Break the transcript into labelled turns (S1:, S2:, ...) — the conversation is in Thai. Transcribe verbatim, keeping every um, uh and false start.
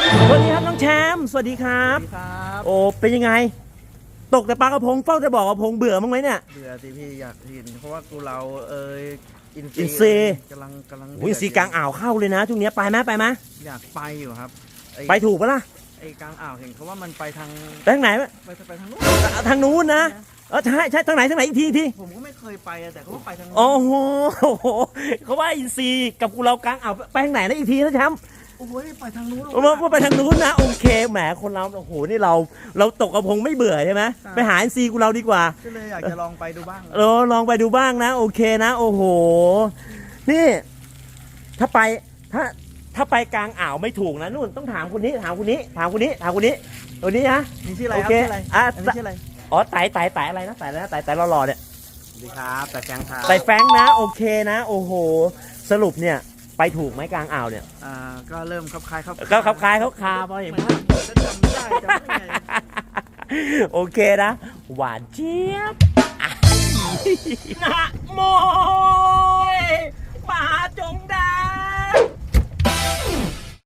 S1: สวัสดีครับน้องแชมป์สวัสดีครับโอ้เป็นยังไงตกแต่ปลากระพงเฝ้าจะบอกกระพงเบื่อมั้งไหมเนี่ย
S2: เบื่อสิพี่อยากเห็นเพราะว่ากูเราเอยอิน
S1: อินซีย์
S2: กำลังกำลัง
S1: โอ้ยอินซีย์กลางอ่าวเข้าเลยนะช่วงนี้ไปไหมไปไหม
S2: อยากไปอยู่ครับอ้
S1: ไปถูกปะล่ะ
S2: ไอ้กลางอ่าวเห็นเขาว่ามันไปทาง
S1: ไปทางไหน
S2: ไปไปทางนู้น
S1: ทางนู้นนะเออใช่ใช่ทางไหนทางไหนอีกทีอีกที
S2: ผมก็ไม่เคยไปอะแต่เขาว่าไปทางนู้น
S1: โอ้โหเขาว่าอินซีย์กับกูเรากลางอ่าวไปทางไหนนะอีกทีนะแชมป์
S2: โอ้ยไปทางนู้น
S1: ว่าว่าไปทางนู้นนะโอเคแหมคนเราโอ้โหนี่เราเราตกกระพงไม่เบื่อใช่ไหมไปหาอินซีย์กูเราดีกว่า
S2: ก็เลยอยากจะลองไปดูบ้าง
S1: เออลองไปดูบ้างนะโอเคนะโอ้โหนี่ถ้าไปถ้าถ้าไปกลางอ่าวไม่ถูกนะนู่นต้องถามคนนี้ถามคนนี้ถามคนนี้ถามคนนี้ตัวนี้นะ
S2: นี่ชื่ออะไร
S1: โอ
S2: ครับ
S1: เค
S2: ชื่ออะไร
S1: อ่ะ
S2: อันนี้ชื่ออะไร
S1: อ๋อไต่ไต่ไต่อะไรนะไต่อะไรนะไต่ไต่หล่อๆเนี่ย
S2: สวัสดีครับแต่แกงครับ
S1: ไต่แฟงนะโอเคนะโอ้โหสรุปเนี่ยไปถูกไหมกลางอ่าวเนี่ย
S2: อ่าก็เริ่มคลับคล้ายครับ
S1: ก็ขับคลายเขาคาพอเห็น
S2: ไม่
S1: ภาพ
S2: จะจำไม่ได้จำไม่ได้ไง
S1: โอเคนะหวานเจี๊ยบนะโม